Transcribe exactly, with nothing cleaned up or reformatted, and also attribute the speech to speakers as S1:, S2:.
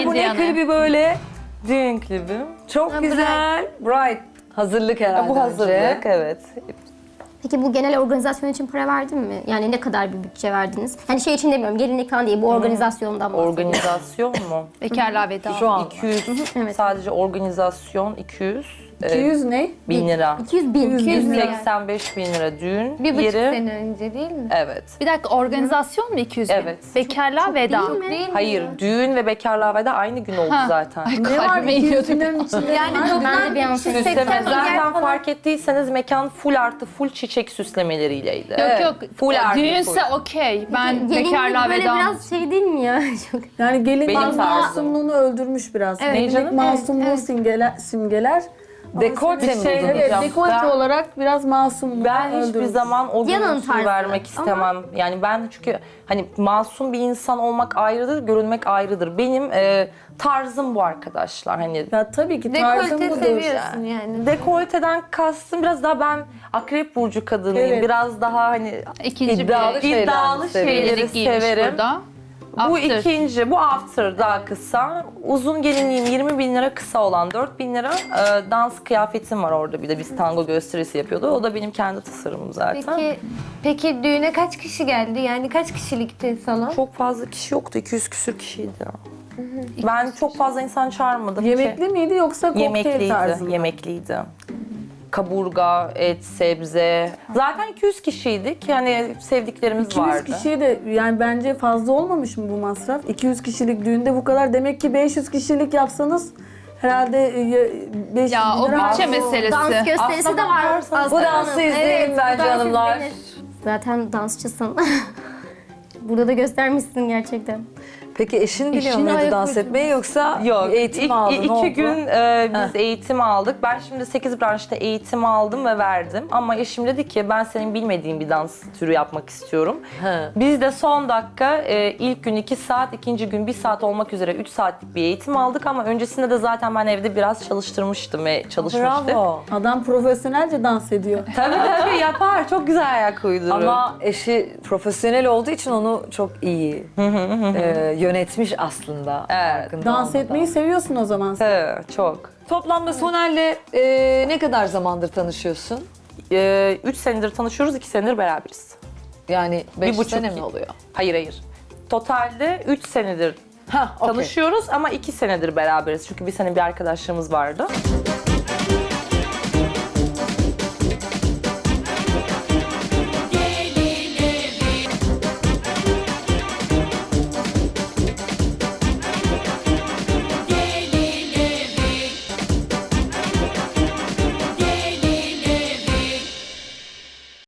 S1: Ay bu ne
S2: Indiana.
S1: klibi böyle? Düğün klibi. Çok güzel. Bright. Hazırlık herhalde
S3: Bu hazırlık,
S1: önce.
S3: evet.
S4: Peki bu genel organizasyon için para verdin mi? Yani ne kadar bir bütçe verdiniz? Hani şey için demiyorum, gelinlik falan değil, bu organizasyondan bahsediyorum.
S3: Organizasyon mu?
S2: Bekarlığa veda.
S1: Şu an.
S3: iki yüz,
S4: Evet.
S3: sadece organizasyon iki yüz.
S5: iki yüz ne?
S3: bin lira.
S4: iki yüz bin.
S5: iki yüz
S3: yüz
S5: lira.
S3: seksen beş bin lira düğün
S5: Bir buçuk
S3: yeri.
S5: sene önce değil mi?
S3: Evet.
S2: Bir dakika, organizasyon mu iki yüz bin?
S3: Evet.
S2: Bekarlığa veda.
S4: Değil mi?
S5: Değil mi
S3: Hayır,
S5: ya?
S3: düğün ve bekarlığa veda aynı gün oldu
S2: Ha.
S3: zaten.
S2: Ay,
S5: Ne var
S2: kalbime
S5: iki yüz
S2: iniyordu.
S5: binerin içinde?
S4: Yani ben de bir an
S3: Süsleme.
S4: seksen
S3: Zaten fark ettiyseniz mekan full artı full çiçek süslemeleriyleydi.
S2: Yok yok,
S3: Full artı
S2: düğünse
S3: full.
S2: okey. Ben
S4: Gelinlik
S2: bekarlığa
S4: böyle
S2: veda.
S4: biraz şey değil mi ya? Çok...
S5: Yani gelin
S3: Benim
S5: bazı
S3: tarzım.
S5: masumluğunu öldürmüş biraz.
S3: Ne
S5: Gelinlik
S3: canım?
S5: masumluğu
S4: Evet,
S5: simgeler, simgeler.
S1: Dekolte mi
S3: şey-
S1: buldunuz?
S5: Evet,
S3: Diyeceğim.
S5: dekolte
S3: Ben-
S5: olarak biraz masumluğu
S3: Ben hiçbir
S5: öldürmüş.
S3: zaman o
S4: Yanın
S3: görüntüyü
S4: tarzı.
S3: vermek istemem. Yani ben çünkü hani masum bir insan olmak ayrıdır, görünmek ayrıdır. Benim e, tarzım bu arkadaşlar. Hani
S5: Ya tabii ki tarzım
S6: Dekolte
S5: budur.
S6: seviyorsun yani.
S3: dekolteden kastım biraz daha ben akrep burcu kadınıyım.
S5: Evet.
S3: Biraz daha hani
S2: İkinci
S1: İddialı
S2: bir
S1: şeyler
S3: iddialı
S1: mi seviyorsun?
S3: şeyleri
S2: gelinlik giymiş
S3: severim.
S2: burada.
S3: Bu
S2: After.
S3: ikinci, bu after daha kısa. Uzun gelinliğim yirmi bin lira, kısa olan dört bin lira. Ee, dans kıyafetim var orada bir de, biz tango gösterisi yapıyordu. O da benim kendi tasarımım zaten.
S6: Peki, peki düğüne kaç kişi geldi? Yani kaç kişilikti salon?
S3: Çok fazla kişi yoktu, iki yüz küsür kişiydi. Ben çok fazla insan çağırmadım.
S5: Yemekli miydi yoksa kokteyl
S3: Yemekliydi,
S5: tarzı mı?
S3: yemekliydi. Kaburga, et, sebze. Zaten iki yüz kişiydik. Yani sevdiklerimiz
S5: iki yüz
S3: vardı.
S5: kişiye de yani bence fazla olmamış mı bu masraf? iki yüz kişilik düğünde bu kadar. Demek ki beş yüz kişilik yapsanız herhalde e, beş yüz
S2: Ya
S5: bin
S2: o
S5: lira
S2: bütçe
S5: harcı-
S2: meselesi.
S4: Dans gösterisi
S3: Aslına
S4: de var.
S3: bakarsanız-
S1: Bu dansı izleyelim
S4: Evet,
S1: bence
S4: bu dans
S1: hanımlar.
S4: izlenir. Zaten dansçısın. Burada da göstermişsin gerçekten.
S1: Peki eşin biliyor
S2: Eşin
S1: muydu
S2: ayak
S1: dans
S2: uydurmuş.
S1: etmeyi yoksa
S3: Yok,
S1: eğitim
S3: iki,
S1: aldı?
S3: iki
S1: ne oldu?
S3: gün e, biz
S1: Heh.
S3: eğitim aldık. Ben şimdi sekiz branşta eğitim aldım ve verdim. Ama eşim dedi ki ben senin bilmediğin bir dans türü yapmak istiyorum.
S1: He.
S3: Biz de son dakika e, ilk gün iki saat, ikinci gün bir saat olmak üzere üç saatlik bir eğitim aldık. Ama öncesinde de zaten ben evde biraz çalıştırmıştım ve çalışmıştık.
S1: Bravo.
S5: Adam profesyonelce dans ediyor.
S3: Tabii tabii yapar. Çok güzel ayak uydurur.
S1: Ama eşi profesyonel olduğu için onu çok iyi e, yönetmiş aslında.
S3: Evet.
S1: farkında
S5: Dans
S1: olmadan.
S5: etmeyi seviyorsun o zaman.
S3: Evet, çok.
S1: Toplamda Soner'le e, ne kadar zamandır tanışıyorsun?
S3: E, üç senedir tanışıyoruz, iki senedir beraberiz.
S1: Yani beş
S3: Bir buçuk
S1: sene
S3: iki.
S1: mi oluyor?
S3: Hayır hayır. Totalde üç senedir
S1: Ha, okey.
S3: tanışıyoruz ama iki senedir beraberiz. Çünkü bir sene bir arkadaşlığımız vardı.